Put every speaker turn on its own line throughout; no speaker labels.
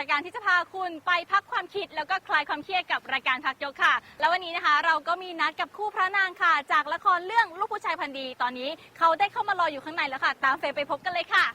ายการที่จะพาคุณไปพักความคิดแล้วก็คลายความเครียดกับรายการพักยกค่ะ แล้ววันนี้นะคะเราก็มีนัดกับคู่พระนางค่ะจากละครเรื่องลูกผู้ชายพันธุ์ดีตอนนี้เขาได้เข้ามารออยู่ข้างในแล้วค่ะตามเฟย์ไปพบกันเลยค่ะ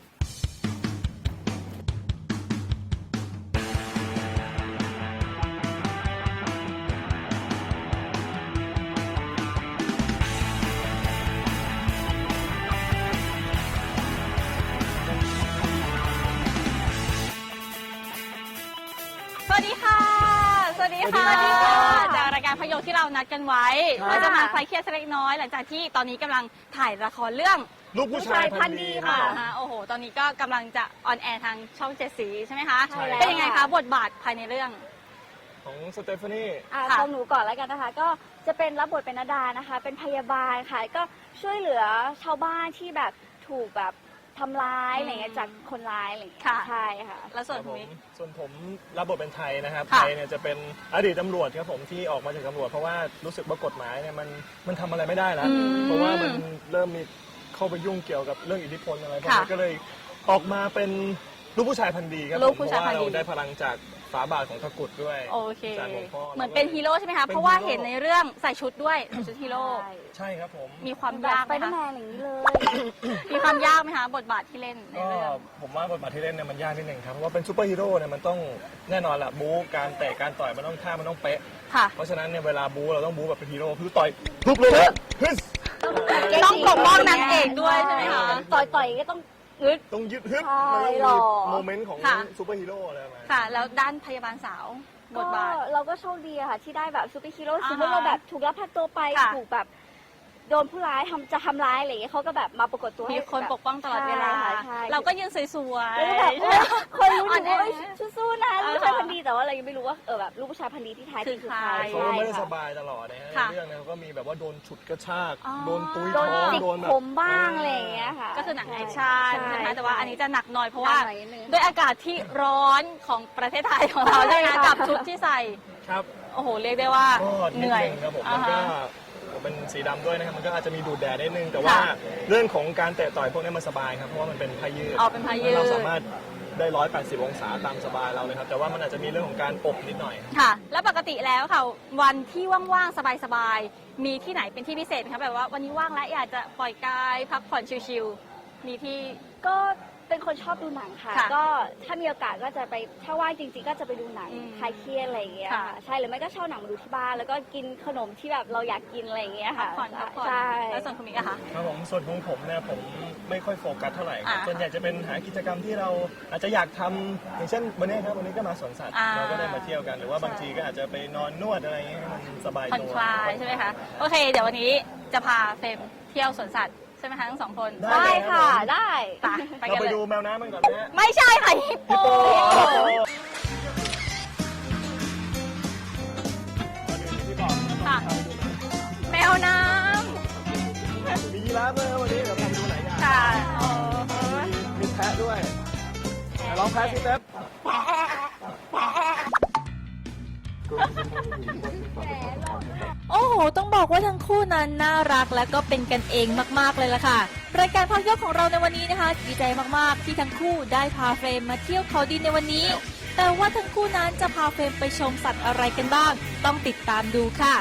สวัสดีค่ะ สวัสดีค่ะจากรายการพยกที่เรานัดกันไว้เราจะมาคลายเครียดสักเล็กน้อยหลังจากที่ตอนนี้กำลังถ่ายละครเรื่อง
ลูกผู้ชายพันธุ์ดีค่ะ
โอ้โหตอนนี้ก็กำลังจะออนแอร์ทางช่อง7 สีใช่ไหมคะ
ใช่แล้ว
เป็นยังไงคะบทบาทภายในเรื่อง
ของสเตฟานี
ของหนูก่อนแล้วกันนะคะก็จะเป็นรับบทเป็นนดานะคะเป็นพยาบาลค่ะก็ช่วยเหลือชาวบ้านที่แบบถูกแบบทำร้ายอะไรเงี้ยจากคนร้ายอะไรเงี้ยใช่ค่ะ
แล้วส่วนคุณมิก
ส่วนผมรับบทเป็นไทยนะครับ
ค่ะ
ไทยเนี่ยจะเป็นอดีตตำรวจครับผมที่ออกมาจากตำรวจเพราะว่ารู้สึกว่ากฎหมายเนี่ยมันทำอะไรไม่ได้แล้วเพราะว่ามันเริ่มมีเข้าไปยุ่งเกี่ยวกับเรื่องอิทธิพลอะไรพวกนี้ก็เลยออกมาเป็นลูกผู้ชายพันธุ์ดีครับผมเพราะว่าเราได้พลังจากฝาบาทของตะกรุดด้วย
โอเค
จากหลวงพ่อ
เหมือนเป็นฮีโร่ใช่ไหมคะเพราะว่าเห็นในเรื่องใส่ชุดด้วยใส่ชุดฮีโร่
ใช่ครับผม
มีความยากไหมคะ
ไปแมนอย่างนี้เลย
มีความยากไหมคะบทบาทที่เล่นใน
ก็
เรื่อง
ผมว่าบทบาทที่เล่นเนี่ยมันยากนิดนึงครับเพราะว่าเป็นซูเปอร์ฮีโร่เนี่ยมันต้องแน่นอนแหละบู๊การเตะการต่อยมันต้องท่ามันต้องเป๊ะ
ค่ะ
เพราะฉะนั้นเนี่ยเวลาบู๊เราต้องบู๊แบบเป็นฮีโร่คือต่อยทุบเลยนะฮึส
ต้องปกป้องนางเอกด้วยใช่ไหมคะ
ต่อยก็ต้องยึด
ต้องยึดฮึบ
ใช่
มัน
หร
ต้อ
อ
งมีโมเมนต์ของซูเปอร์ฮีโร่อะไรประมาณ
ค่ะ แล้วด้านพยาบาลสาวบทบาท
เราก็โชคดีอะค่ะที่ได้แบบซูเปอร์ฮีโร่
อ่าฮะ
สมมติเราแบบถูกลักพาตัวไป
ค่ะ
ถูกแบบโดนผู้ร้ายจะทำร้ายอะไรอย่างเงี้ยเขาก็แบบมาปรากฏตัวให้
มีคนปกป้องตลอดเวลา
ใช่
เราก็ยืนสวยๆ
แล้วก็แบบ
ใช่ไหม
เคยรู้อยู่ว่าสู้ๆนะ
อ่า
ลูกผู้ชายพันธุ์ดีแต่ว่าเรายังไม่รู้ว่าแบบลูกผู้ชายพันธุ์ดีที่แท้จริงคือใคร
เขาก็ไม่ได้
ใช่
ส
ค่ะ
บายตลอดนะฮะ
ค่ะ
ในเรื่องเนี่ยเขาก็มีแบบว่าโดนฉุดกระชาก
อ๋อ
โดนตุ้ย
โด
ท้
น
อง
จิก
โดนแบบ
ผมบ้างอะไรอย่างเงี้ยค่ะ
ก็คือหนังแอคชั่น
ใช่
ใช่ไหมคะแต่ว่าอันนี้จะหนักหน่อยเพราะว่า
หนักหน่อยนิดนึง
ด้วยอากาศที่ร้อนของประเทศไทยของเราใช่ไหมคะกับชุดที่ใส่
ครับ
โอ้โหเรียกได้ว่า
ก็
เห
นิด
นื่อย
นึงครับผม
อ่า
มันก็
ฮะ
เป็นสีดำด้วยนะครับมันก็อาจจะมีดูดแดดนิดนึงแต่ว่า
ค่ะ
เรื่องของการเตะต่อยพวกนี้มันสบายครับเพราะว่ามันเป็นผ้ายืด
อ๋อเป็นผ้ายืด
เราสามารถได้180 องศาตามสบายเราเลยครับแต่ว่ามันอาจจะมีเรื่องของการอบนิดหน่อย
ค่ะ แล้วปกติแล้วค่ะวันที่ว่างๆสบายๆมีที่ไหนเป็นที่พิเศษไหมคะแบบว่าวันนี้ว่างแล้วอยากจะปล่อยกายพักผ่อนชิลๆมีที่
ก็เป็นคนชอบดูหนังค่ะ
ค่ะ
ก็ถ้ามีโอกาสก็จะไปถ้าว่างจริงๆ ก็จะไปดูหนัง
อืม
คลายเครียดอะไรอย่างเงี้ย
ค่ะ
ค่ะใช่หรือไม่ก็เช่าหนังมาดูที่บ้านแล้วก็กินขนมที่แบบเราอยากกินอะไรอย่างเงี้ย
พั
ค่ะ
กผ่อน
ใช่
แล้วส่วนคุณมิกอะคะ
ครับผมส่วนของผมเนี่ยผมไม่ค่อยโฟกัสเท่าไหร่ครับ
อ่า
ส่วนใหญ่จะเป็นหากิจกรรมที่เราอาจจะอยากทำอย่างเช่นวันนี้ครับวันนี้ก็มาสวนสัตว์
อ่า
เราก็ได้มาเที่ยวกันหรือว่าบางทีก็อาจจะไปนอนนวดอะไรอย่างเงี้ยให้มันสบาย
ผ่อน
ตัว
คลายใช่ไหมคะโอเค เดี๋ยววันนี้จะพาเฟรมเที่ยวสวนสัตว์ใช่ไหมคะทั้งสองคน
ได้ค่ะได้
ไป
เรา
กัน
ไป
เลย
ดูแมวน้ำกันก่อนนะฮะ
ไม่ใช่ค่ะฮิปโป
ที่บอก
ค่ะ แมวน้
มียีราฟด้วยครับวันนี้เดี๋ยวพาไปดูหลายอย่าง
ำค่ะโอ้
มีแพะด้วยลองแพะสิเต๊บ
โอ้โห ต้องบอกว่าทั้งคู่นั้นน่ารักและก็เป็นกันเองมากๆเลยล่ะค่ะ รายการพักยกของเราในวันนี้นะคะดีใจมากๆที่ทั้งคู่ได้พาเฟรมมาเที่ยวเขาดินในวันนี้ แต่ว่าทั้งคู่นั้นจะพาเฟรมไปชมสัตว์อะไรกันบ้าง ต้องติดตามดูค่ะ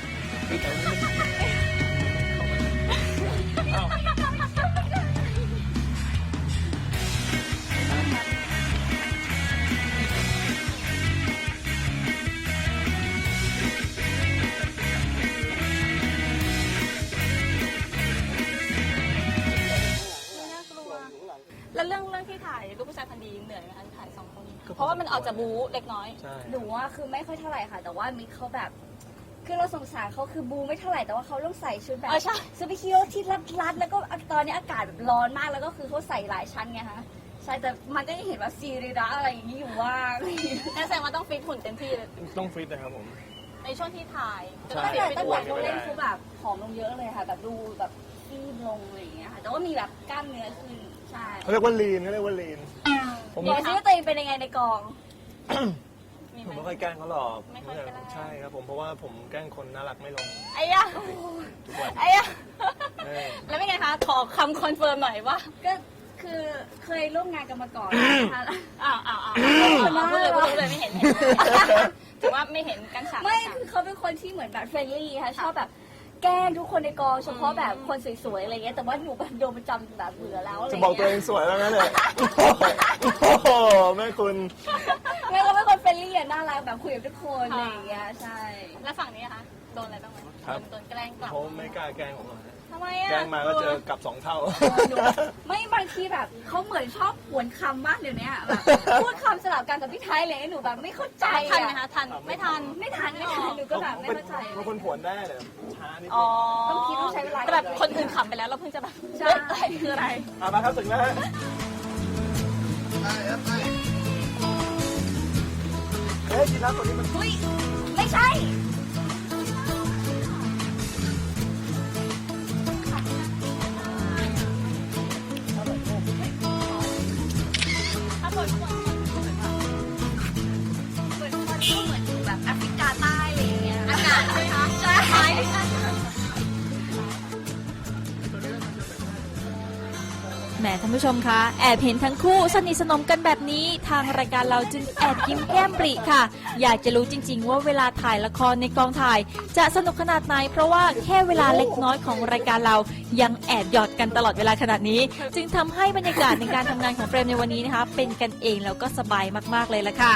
แล้วเรื่องที่ถ่ายลูกผู้ชายพันธุ์ดีเหนื่อยไหมคะถ่ายสองคน เพราะว่ามันออกจะบู๊เล็กน้อย
ใช่
หนูว่าคือไม่ค่อยเท่าไหร่ค่ะ แต่ว่ามิกเขาแบบคือเราสงสารเขาคือบูไม่เท่าไหร่แต่ว่าเขาต้องใส่ชุดแบบ
ใช่
ซูเปอร์ฮีโร่ที่รัดแล้วก็ตอนนี้อากาศแบบร้อนมากแล้วก็คือเขาใส่หลายชั้นไงคะใช่แต่มันก็ยังเห็นว่าซีรีระอะไรอย่างนี้อยู่ว่าง
นั่นแสดงว่าต้องฟิตหุ่นเต็มที่เลย
ต้องฟิตนะครับผม
ในช่วงที่ถ่ายจะ
ใช่
ต้อง
ตั้ง
ฟิต
แต่
ไปด้วย
ตั้งแต่เขาเล่นเขาแบบผอมลงเยอะเลยค่ะแบบดูแบบซีดลงอะไรอย่างเงี้ยค่ะแต่ว่ามีแบบกล้ามเนื้อขึ้นใช่
เขาเรียกว่าลีนเขาเรียกว่าลีน ผม
บอกซิว่าตัวเองเป็นยังไงในกอง
มี
ผม
ไหม
ไม่ค่อยแกล้งเขาหรอก
ไม่ค่อยแกล้ง
ใช่ครับผมเพราะว่าผมแกล้งคนน่ารักไม่ลง
ไอ้ยะ
ทุกวัน
ไอ้ยะ
เออ
แล้วเป็นไงคะ ขอคำคอนเฟิร์มหน่อยว่า
ก็คือเคยร่วมงานกันมาก่อนนะคะแล้ว
อ้าวพูดเลยไม่เห็นถือว่าไม่เห็นกันฉาก
ไม่คือเขาเป็นคนที่เหมือนแบบเฟรนลี่ค่ะชอบแบบแกล้งทุกคนในกองเฉพาะแบบคนสวยๆอะไรเงี้ยแต่ว่าหนูแบบโดนประจำแบบเบื่อแล้วอะไร
จะ
เงี้ย
บอกตัวเองสวยแล้วนะเนี่ยโอ้โหแม่คุณ
ไม่เราเป็นคนเฟรนลี่อะน่ารักแบบคุยกับทุกคนอะไรอย่างเงี้ยใช่
แล้วฝั่งนี้นะคะโดนอะไรบ้างไหมโดนแกล้งกลับ
เขาไม่กล้าแกล้งผมหรอกฮะ
ทำไมอ่ะ
แกล้งมาก็เจอกลับ2 เท่า
ไม่บางทีแบบเขาเหมือนชอบหวนคำมากเดี๋ยวนี้แบบพูดคำสลับกันกับพี่ไทยเลยหนูแบบไม่เข้าใจ
ทันไหม
อะ
คะทันไม่ทัน
ไม่ทันหนูก็แบบไม่เข้าใจ
บางคนผวนได้แต่ช้านิดนึ
อ๋อง
ต้องคิดต้องใช้เวลา
แต่แบบคนอื่นขำไปแล้วเราเพิ่งจะแบบ
ใช่
อะไรคืออะไร
มาครับถึงแล้วฮะเฮ้ยยีราฟตัวนี้มัน
อุ้ยไม่ใช่
ถ้าคน
เหมือนคนที่เหมือนอยู่แบบแอฟริกาใต้อะไรอย่างเงี้ยอากาศใช่ไหมคะใช่
แหมท่านผู้ชมคะแอบเห็นทั้งคู่สนิทสนมกันแบบนี้ทางรายการเราจึงแอบยิ้มแก้มปริค่ะ อยากจะรู้จริง ๆ ว่าเวลาถ่ายละครในกองถ่าย จะสนุกขนาดไหนเพราะว่าแค่เวลาเล็กน้อยของรายการเรายังแอบหยอดกันตลอดเวลาขนาดนี้ จึงทำให้บรรยากาศในการทำงานของเฟรมในวันนี้นะคะเป็นกันเองแล้วก็สบายมากๆเลยละค่ะ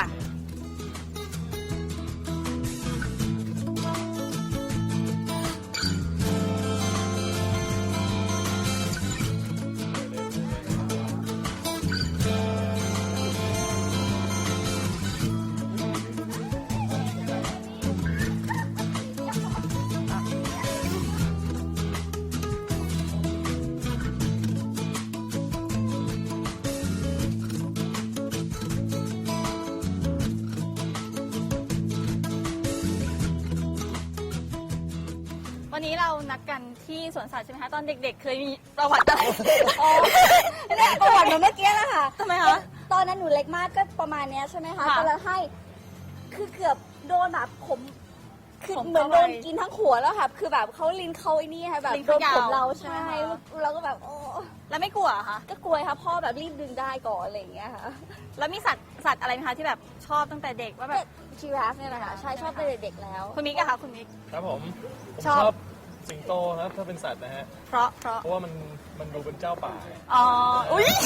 วันนี้เรานัดกันที่สวนสัตว์ใช่ไหมคะตอนเด็กๆ เคยมีประวัติอะไร
อ๋อเนี่ยประวัติเหมือนเมื่อกี้แหละค่ะ
ทำไมคะ
ตอนนั้นหนูเล็กมากก็ประมาณเนี้ยใช่ไหมคะ
ค่ะ
ก็เลยให้ คือเกือบโดนแบบผมคือ
ผม
เหมือน
เข้า
โด
ไป
นกินทั้งหัวแล้วค่ะ คือแบบเขาลิ้นเขาไอ้นี่ค่ะแบบ
ลิ้น
โด
เขา
นผม
ยาว
เรา
ใช่
ใช่
ไหมคะ
เราก็แบบโอ้
แล้วไม่กลัวเหรอคะ
ก็กลัวค่ะพ่อแบบรีบดึงได้ก่อนอะไรอย่างเงี้ยค่ะ
แล้วมีสัตว์อะไรไหมคะที่แบบชอบตั้งแต่เด็กว่าแบบ
ชีราฟเนี่ยแหละค่ะใช่ชอบตั้งแต่เด็กแล้ว
คุณมิกอะคะคุณมิก
ครับผม
ชอบ
ชอบสิงโตครับถ้าเป็นสัตว์นะฮะ
เพราะ
เพราะว่ามันดูเป็นเจ้าป่า
อ๋ออุ้ย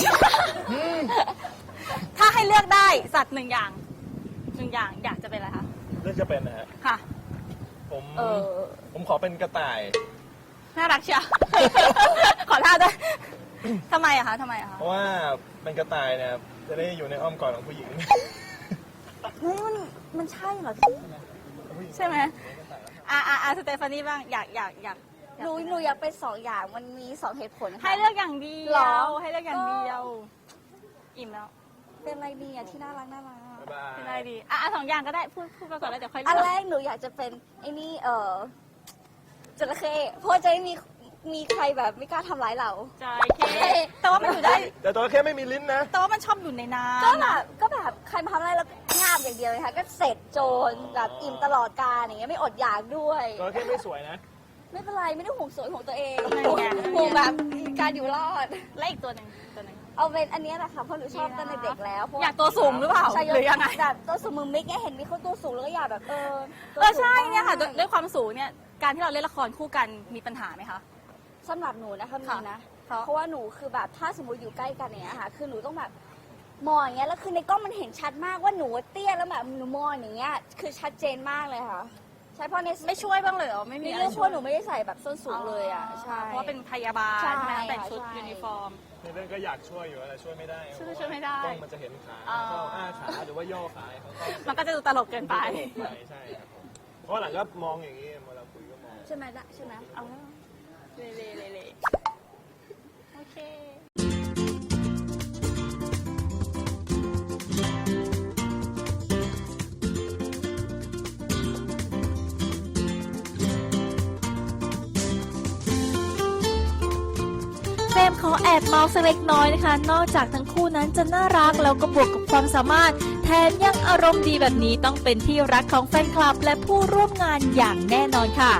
ถ้าให้เลือกได้สัตว์หนึ่งอย่างอยากจะเป็นอะไรคะ
เลือกจะเป็นนะฮะ
ค่ะ
ผมขอเป็นกระต่าย
น่ารักเชียว ขอท่าด้วยทำไมอะคะ
เพราะว่าเป็นกระต่ายเนี่ยจะได้อยู่ในอ้อมกอดของผู้หญิง
เฮ้ยมันใช่เหรอ
ใช่ไหมสเตฟานี่บ้างอยาก
หนูอยากเป็นสองอย่างมันมีสองเหตุผลค่ะ
ให้เลือกอย่างเดี
หร
ย
อ
วให้เลือกอย่างเดียว อิ่มแล้ว
เป็นอะไรดีอะที่น่ารัก
บ๊ายบาย
เป็นอะไรดีสองอย่างก็ได้พูดไปก่อนแล้วเดี๋ยวค่อย
อัน
เลื
แร
อก
กหนูอยากจะเป็นไอ้นี่จระเข้เพราะจะได้มีใครแบบไม่กล้าทำร้ายเรา
ใจเคแต่ว่ามันอยู่ได้
แต่ตัวแค่ไม่มีลิ้นนะ
แต่ว่ามันชอบอยู่ในน้ำ
ก็แบบใครมาทำอะไรแล้วงาบอย่างเดียวเลยค่ะก็เสร็จโจรแบบอิ่มตลอดกาลอย่างเงี้ยไม่อดอยากด้วย
ตัวแค่ไม่สวยนะ
ไม่เป็นไรไม่ได้ห่วงสวยของตัวเอง
นั่นไง
ห่วงแบบการอยู่รอด
และอีกตัวหนึ่ง
เอาเป็นอันเนี้ยแหละค่ะเพราะหนูชอบตั้งแต่เด็กแล้วเพระ
อยากตัวสูงหรือเปล่า
ใช่
หรือยังไง
แบบตัวสูงมือมิกเนี่ยเห็นมีคนตัวสูงแล้วก็อยากแบบตัวสูง
ใช่เนี่ยค่ะ
บ้าง
ด้วยความสูงเนี่ยการที่เราเล่นละครคู่กันมีปัญหาไหมคะ
สำหรับหนูนะคะมี
ค่ะ
นะ
เพราะ
เพราะว่าหนูคือแบบถ้าสมมติอยู่ใกล้กันอย่างเนี้ยค่ะ คือหนูต้องแบบมองอย่างเงี้ยแล้วคือในกล้องมันเห็นชัดมากว่าหนูเตี้ยแล้วแบบหนูมองอย่างเงี้ยคือชัดเจนมากเลยค่ะ ใช่เพราะใน
ไม่ช่วยบ้างเลยเหรอไม่
ใน
มี
เรื่องพวกหนูไม่ได้ใส่แบบส้นสูงเลยอ่ะใช่
เพราะว่าเป็นพยาบาล
ใช่
ใช่ไหมแต่งชุด
ใช่
ยูนิฟอร์ม
ในเรื่องก็อยากช่วยอยู่อะไรช่วยไม่ได้
ช่วยไม่ได้
กล้องมันจะเห็นขา
อ๋อ
เข้าอ้าขาหรือว่าย่อขาเขาก็
มันก็จะดูตลกเกินไป
ใช่ครับผมเพราะหลังก็มองอย่างนี้เวลาคุยก็มอง
ใช่ไหมล่ะใช่ไหมเอา
เละโอเค
เฟรมขอแอบเมาส์สักเล็กน้อยนะคะ นอกจากทั้งคู่นั้นจะน่ารักแล้วก็บวกกับความสามารถ แถมยังอารมณ์ดีแบบนี้ต้องเป็นที่รักของแฟนคลับ และผู้ร่วมงานอย่างแน่นอนค่ะ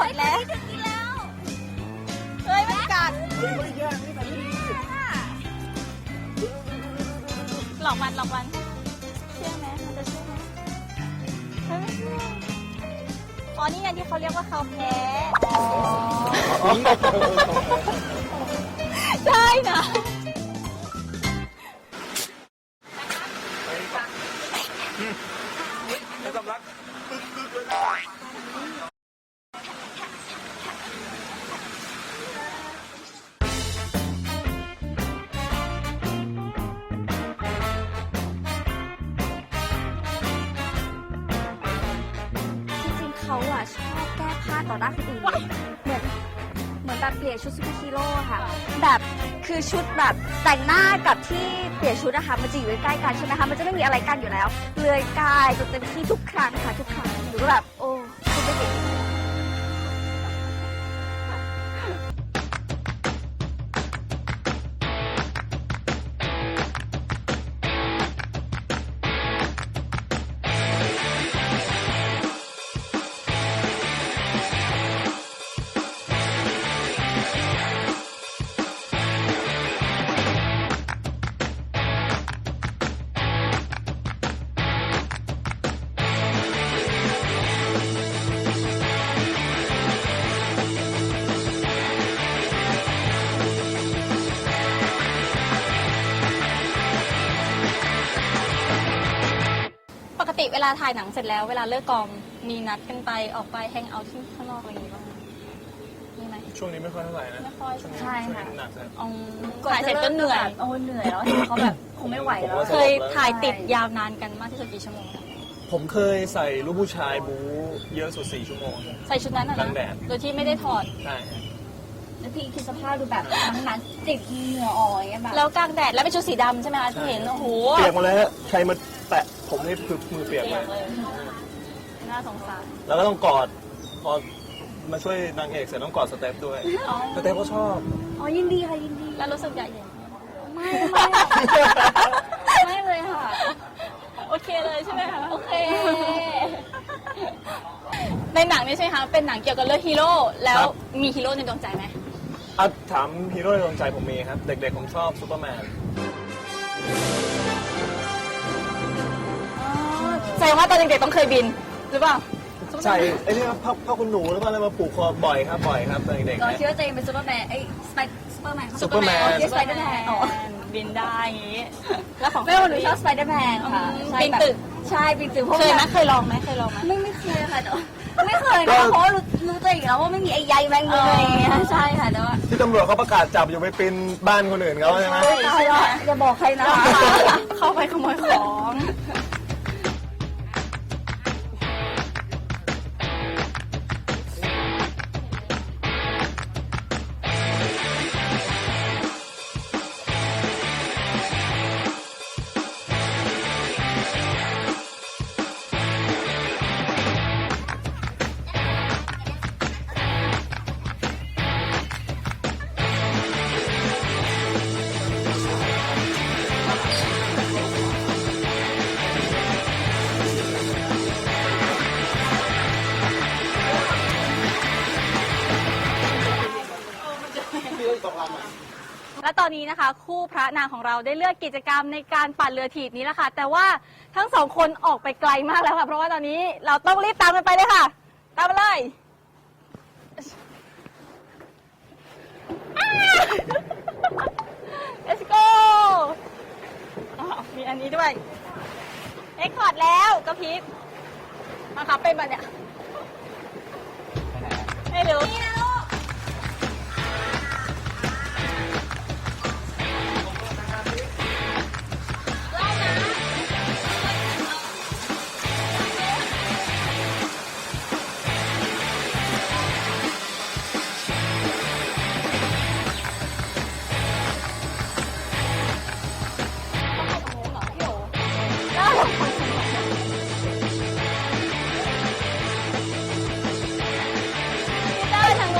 ดแล้วเฮ้ยมันกัด
เฮ้ยไม่ยากนี่แต่นี่ดี
หลอกมันเชื่อไหมมันจะเชื่อไหมเฮ้ยไม่เชื่ออ๋อนี่ไงที่เขาเรียกว่าเขาแพ้ใช่นะ
แล้วสำลักปึ๊กเลย
จริงๆเขาอะชอบแก้ผ้าต่อหน้าคนอื่นเหมือนแบบเปลี่ยนชุดซูเปอร์ฮีโร่อะค่ะ แบบคือชุดแบบแต่งหน้ากับที่เปลี่ยนชุดนะคะมันจะอยู่ใกล้ๆกันใช่ไหมคะมันจะไม่มีอะไรกันอยู่แล้วเลื่อยกายจนเต็มที่ทุกครั้งค่ะทุกครั้งหนูก็แบบโอ้คุณเป็นเด็ก
ปกติเวลาถ่ายหนังเสร็จแล้วเวลาเลิกกองมีนัดกันไปออกไปแฮงเอาท์ที่ข้างนอกอะไรอย่างงี้บ้างไหมมีไหม
ช่วงนี้ไม่ค่อยเท่าไหร่นะ
ไม่ค่อย
ช่วงนี้
ใช่ค่ะ
ช่วงนี้หนักเลย
ถ่ายเสร็จก็เหนื่อย
โอ้เหนื่อยแล้วเห็นเขาแบบคงไม่ไหวแล้ว
เคยถ่ายติดยาวนานกันมากที่สุดกี่ชั่วโมงคะ
ผมเคยใส่ลูกผู้ชายบู๊เยอะสุด4 ชั่วโมง
ใส่ชุดนั้นอะ
กลา
นะ
งแดด
โดยที่ไม่ได้ถอด
ใช่
แล้วพี่คิดสภาพดูแบบนั้นติดเหงื่อออกอย่างเงี้ยแบบ
แล้วกลางแดดแล้วเป็นชุดสีดำใช่ไหมคะที่เห็นโอ้โห
เปียกหมดเลยฮะใครมาแตะผมนี่คือมือเปียก
เปี
เลย ย
กเลยน่าสงสาร
แล้วก็ต้องกอดพอมาช่วยนางเอกเสร็จต้องกอดสเต็ปด้วย
อ๋อ
สเต็ปก็ชอบ
อ๋อยินดีค่ะยินดี
แล้วรู้สึกอยากเห็น
ไม่เลยค่ะ
โอเคเลยใช่ไหมคะ
โอเค
ในหนังนี่ใช่ไหมคะเป็นหนังเกี่ยวกับเรื่องฮีโร่แล้ว
ครับ
มีฮีโร่ในดวงใจไหม
อ่ะถามฮีโร่ในดวงใจผมมีครับ เด็กๆผมชอบซูเปอร์แมน
แสดงว่าตอนเด็กๆต้องเคยบินหรือเปล่า
ใส่ไอ้นี่ผ้าคุณหนูหรือเปล่าอะไรมาผูกคอบ่อยครับตอนเด็กๆ
เรา
นะ
คิดว่าตัวเองเป็นซูเปอร์แมนซูเปอร์แมน
ซูเปอร์แมน
คิดสไปเดอร์แมนอ๋อ
บินได้อย่างงี้ แล้วของ
ไม่ว่าหนูชอบสไปเดอร์แมนค่ะใช่
ปีนตึก
ใช่ปีนตึกพวก
เคยไหม
แบบ
เคยลองไหมเคยลองไหม
ไม่เคยค่ะแต่ว่าไม่เคยนะเพราะว่ารู้ตัวเองแล้วว่าไม่มีไอ้ใยแมงมุมอะไรอย่างเงี้ยใช่ค่ะแต่ว่า
ที่ตำรวจเขาประกาศจับอยู่ไปปีนบ้านคนอื่นเขาใช่ไหม
ตายแล้วอย่าบอกใครนะ
เข้าไปขโมยของ และตอนนี้นะคะ คู่พระนางของเราได้เลือกกิจกรรมในการปั่นเรือถีบนี้แล้วค่ะ แต่ว่าทั้งสองคนออกไปไกลมากแล้วค่ะ เพราะว่าตอนนี้เราต้องรีบตามกันไปเลยค่ะ ตามมาเลย Let's go อ้าวมีอันนี้ด้วยเอ็กคอร์ดแล้วกระพริบมาครับเป็นแบบเนี้ยให้รู้นี่นะลูกได้ทาง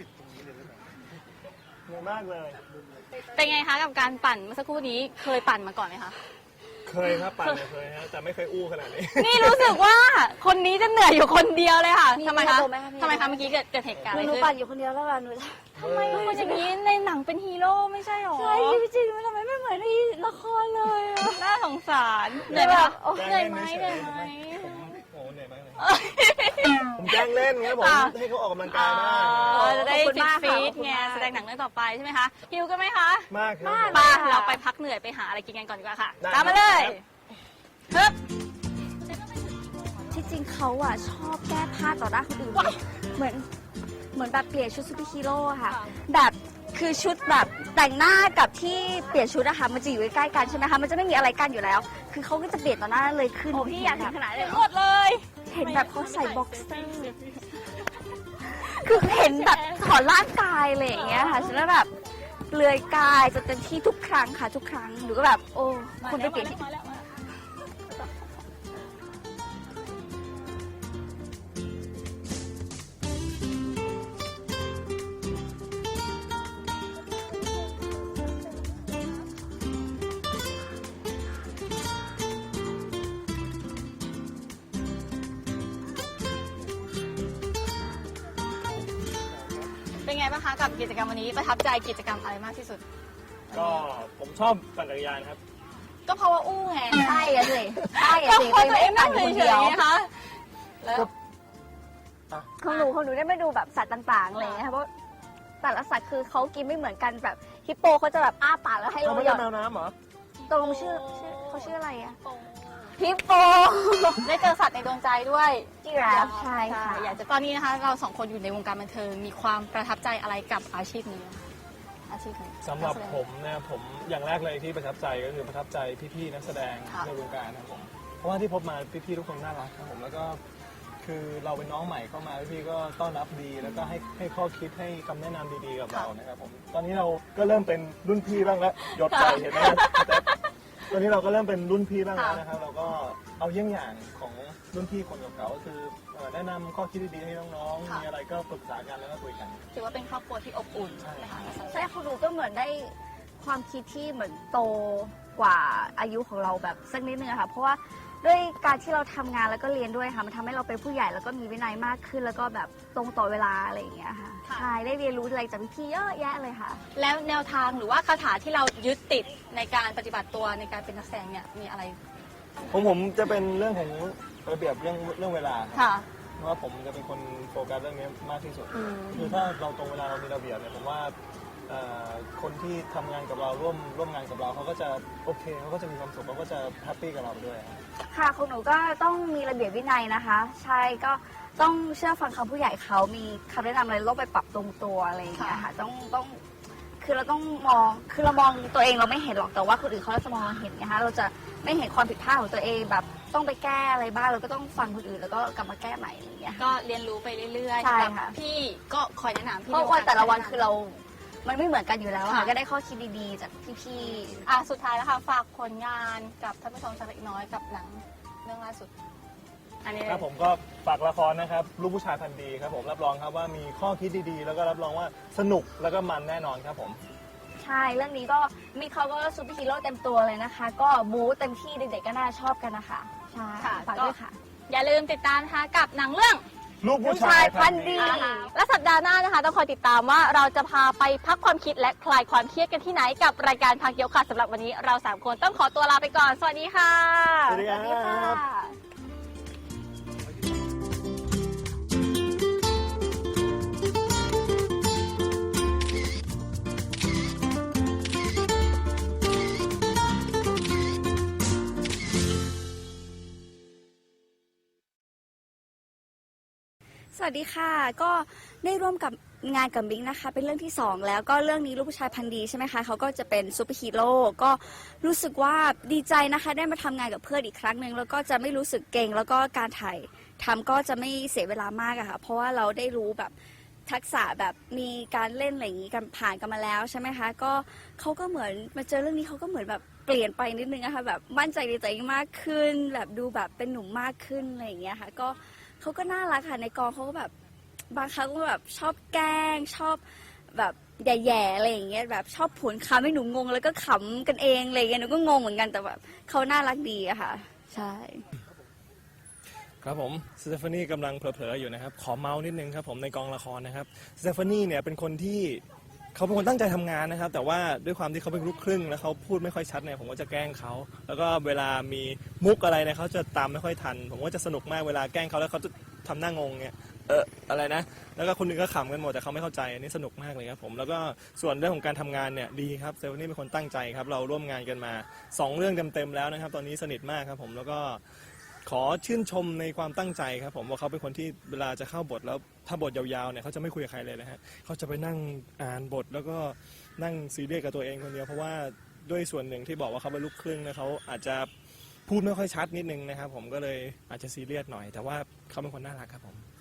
เหนื่อยมากเลย
เป็นไงคะกับการปั่นเมื่อสักครู่นี้เคยปั่นมาก่อนไหมคะ
เคยครับปั่นเนี่ยเคยฮะแต่ไม่เคยอู้ขนาดนี้
นี่รู้สึกว่าคนนี้จะเหนื่อยอยู่คนเดียวเลยค่ะ
มี
ทำไมคะ
มีอารมณ์ไหมคะมี
ทำไมคะเมื่อกี้เกิดเหตุการณ์
ห
อะไร
นู
ขึ้น
ปั่นอยู่คนเดียวแล้วล่ะหนู
ทำไมเป็นคนอย่างนี้ในหนังเป็นฮีโร่ไม่ใช่หรอ
ใช่จริงๆมันทำไมไม่เหมือนในละครเลยอะ
น่าสงสารเหนื่อยไหมคะ
โอ้
เหนื่อยไหมเหนื่อยไหม
ผมโอ้เหนื่อยมากเลยผมแกล้งเล่นครับผม
ค่ะ
ให้เขาออกกำลังกายบ้าง
จะได้
ขอบคุณมาก
ฟิ
ค่ะ
ต
ขอบคุณ
ไง
มาก
แสดงหนังเรื่องต่อไปใช่ไหมคะหิวกันไหมคะ
มากครับ
ไปเราไปพักเหนื่อยไปหาอะไรกินกันก่อนดีกว่าค่ะ
ได้
ตามมาเลย
ครับ
ฮึบ
ที่จริงเขาอะชอบแก้ผ้าต่อหน้าคนอื่น
ว้าย
เหมือนแบบเปลี่ยนชุดซูเปอร์ฮีโร่อะค่ะ แบบคือชุดแบบแต่งหน้ากับที่เปลี่ยนชุดอะค่ะมันจะอยู่ใกล้ๆกันใช่ไหมคะมันจะไม่มีอะไรกั้นอยู่แล้ว คือเขาก็จะเปลี่ยนต่อหน้าเลยขึ้น
โอ้พี่อยากถึงขนาดเลย
ห
หมดเลย
เห็นแบบเขาใส่บ็อกเซอร์คือเห็นแบบถอดร่างกายอะไรอย่างเงี้ยค่ะฉันแล้วแบบเปลือยกายจะเต็มที่ทุกครั้งค่ะทุกครั้งหนูก็แบบโอ้คุณไปเปลี่ยนที่
มาแล้วมาแล้ว เป็นไงบ้างคะกับกิจกรรมวันนี้ประทับใจกิจกรรมอะไรมากที่สุด
ก็ผมชอบปั่นจักรยานครับ
ก็เพราะว่าอู้ไง
ใช่อะสิใช่อะ
ก็
สิ
เพราะตัวเองนั่ง
คน
เฉ
เดี
ย
ยว
ๆนะคะแล้ว
ของหนูได้มาดูแบบสัตว์ต่างๆอะไรอย่างเงี้ยค่ะเพราะแต่ละสัตว์คือเขากินไม่เหมือนกันแบบฮิปโปเขาจะแบบอ้าปากแล้วให้
เขา
เรา
ไม่
หย
ใช่
อด
แมวน้ำเหรอ
ตกลงเขาชื่ออะไรอะฮิปโป
ได้เจอสัตว์ในดวงใจด้วย
จิราฟใช่ค่ะ
อยากจะตอนนี้นะคะ เราสองคนอยู่ในวงการบันเทิงมีความประทับใจอะไรกับอาชีพนี้คะอาชีพนี้
สำหรับผมเนี่ยผมอย่างแรกเลยที่ประทับใจก็คือประทับใจพี่ๆนักแสดง
ค่ะ
ในวงการนะครับผมเพราะว่าที่พบมาพี่ๆทุกคนน่ารักครับผมแล้วก็คือเราเป็นน้องใหม่เข้ามาพี่ๆก็ต้อนรับดี แล้วก็ให้ข้อคิดให้คำแนะนำดีๆกับเรานะครับผมตอนนี้เราก็เริ่มเป็นรุ่นพี่บ้างแล้วหยดใจเห็นไหมแต่ตอนนี้เราก็เริ่มเป็นรุ่นพี่บ้างแล้วนะครับเราก็เอาเยี่ยงอย่างของรุ่นพี่คนเก่าๆก็คือแนะนำข้อคิดดีๆให้น้องๆมีอะไรก็ปรึกษากันแล้วก็คุยกัน
ถือว่าเป็นครอบครัวที่อบอุ่นนะคะ
ใช่ของหนูก็เหมือนได้ความคิดที่เหมือนโตกว่าอายุของเราแบบสักนิดนึงอะค่ะเพราะว่าด้วยการที่เราทำงานแล้วก็เรียนด้วยค่ะมันทำให้เราเป็นผู้ใหญ่แล้วก็มีวินัยมากขึ้น แล้วก็แบบตรงต่อเวลาอะไรอย่างเงี้ยค่ะใช่ได้เรียนรู้อะไรจากพี่ๆเยอะแยะเลยค่ะ
แล้วแนวทางหรือว่าคาถาที่เรายึดติดในการปฏิบัติตัวในการเป็นนักแสดงเนี่ยมีอะไร
ผมจะเป็นเรื่องของระเบียบเรื่องเวลาครับ
ค่ะ
เพราะว่าผมจะเป็นคนโฟกัสเรื่องนี้มากที่สุด
อืม
คือถ้าเราตรงเวลาเรามีระเบียบเนี่ยผมว่าคนที่ทำงานกับเราร่วมงานกับเราเขาก็จะโอเคเขาก็จะมีความสุขเขาก็จะแฮปปี้กับเราด้วยครับ
ค่ะของหนูก็ต้องมีระเบียบวินัยนะคะ ใช่ก็ต้องเชื่อฟังคำผู้ใหญ่เขามีคำแนะนำอะไรเราไปปรับตรงตัวอะไรอย่างเงี้ยค่ะต้องคือเราต้องมองคือเรามองตัวเองเราไม่เห็นหรอกแต่ว่าคนอื่นเขาจะมองเห็นนะคะเราจะไม่เห็นความผิดพลาดของตัวเองแบบต้องไปแก้อะไรบ้างเราก็ต้องฟังคนอื่นแล้วก็กลับมาแก้ใหม่อะไรอย่างเงี้ย
ก็เรียนรู้ไปเรื่อยๆ
ใช่
สำหรับ
ค่ะ
พี่ก็คอยแนะนำพี่
เพราะว่าแต่ละวันคือเรา มันไม่เหมือนกันอยู่แล้ว
ค่ะ
ค่ะก็ได้ข้อคิดดีๆจากพี่
สุดท้ายแล้วค่ะฝากผลงานกับท่านผู้ชมสักเล็กน้อยกับหนังเรื่องล่าสุด อันนี้
ครับผมก็ฝากละครนะครับลูกผู้ชายพันธุ์ดีครับผมรับรองครับว่ามีข้อคิดดีๆ แล้วก็รับรองว่าสนุกแล้วก็มันแน่นอนครับผม
ๆ ใช่เรื่องนี้ก็มีเขาก็ซูเปอร์ฮีโร่เต็มตัวเลยนะคะ ก็บู๊เต็มที่เด็กๆก็น่าชอบกันนะคะใช่
ค่ะ
ฝากด้วยค่ะ
อย่าลืมติดตามนะคะกับหนังเรื่อง
ลูกผู้ชายพันธุ์ดี
และสัปดาห์หน้านะคะต้องคอยติดตามว่าเราจะพาไปพักความคิดและคลายความเครียดกันที่ไหนกับรายการพักยกค่ะสำหรับวันนี้เรา3คนต้องขอตัวลาไปก่อนสวัสดีค่ะ
สวัสดีครับ
สวัสดีค่ะ ก็ได้ร่วมกับงานกับบิ๊กนะคะ เป็นเรื่องที่ 2 แล้วก็เรื่องนี้ลูกผู้ชายพันธุ์ดีใช่ไหมคะเขาก็จะเป็นซูเปอร์ฮีโร่ก็รู้สึกว่าดีใจนะคะได้มาทำงานกับเพื่อนอีกครั้งหนึ่งแล้วก็จะไม่รู้สึกเกรงแล้วก็การถ่ายทำก็จะไม่เสียเวลามากอะค่ะเพราะว่าเราได้รู้แบบทักษะแบบมีการเล่นอะไรอย่างนี้กันผ่านกันมาแล้วใช่ไหมคะก็เขาก็เหมือนมาเจอเรื่องนี้เขาก็เหมือนแบบเปลี่ยนไปนิดนึงอะค่ะแบบมั่นใจในตัวเองมากขึ้น แบบดูแบบเป็นหนุ่มมากขึ้นอะไรอย่างเงี้ยค่ะก็เขาก็น่ารักค่ะในกองเขาก็แบบบางครั้งก็แบบชอบแกล้งชอบแบบแย่ๆอะไรอย่างเงี้ยแบบชอบผวนคำให้หนูงงแล้วก็ขำกันเองอะไรอย่างเงี้ยหนูก็งงเหมือนกันแต่แบบเขาน่ารักดีอะค่ะใช่
ครับผมสเตฟานีกำลังเผลอๆอยู่นะครับขอเมาส์นิดนึงครับผมในกองละครนะครับสเตฟานีเนี่ยเป็นคนที่เขาเป็นคนตั้งใจทำงานนะครับแต่ว่าด้วยความที่เขาเป็นลูกครึ่งแล้วเขาพูดไม่ค่อยชัดเนี่ยผมก็จะแกล้งเขาแล้วก็เวลามีมุกอะไรเนี่ยเขาจะตามไม่ค่อยทันผมก็จะสนุกมากเวลาแกล้งเขาแล้วเขาจะทำหน้างงเนี่ยอะไรนะแล้วก็คนอื่นก็ขำกันหมดแต่เขาไม่เข้าใจอันนี้สนุกมากเลยครับผมแล้วก็ส่วนเรื่องของการทำงานเนี่ยดีครับสเตฟานีเป็นคนตั้งใจครับเราร่วมงานกันมา2เรื่องเต็มๆแล้วนะครับตอนนี้สนิทมากครับผมแล้วก็ขอชื่นชมในความตั้งใจครับผมว่าเขาเป็นคนที่เวลาจะเข้าบทแล้วถ้าบทยาวๆเนี่ยเขาจะไม่คุยกับใครเลยนะฮะเขาจะไปนั่งอ่านบทแล้วก็นั่งซีเรียสกับตัวเองคนเดียวเพราะว่าด้วยส่วนหนึ่งที่บอกว่าเขาเป็นลูกครึ่งนะเขาอาจจะพูดไม่ค่อยชัดนิดนึงนะครับผมก็เลยอาจจะซีเรียสหน่อยแต่ว่าเขาเป็นคนน่ารักครับผม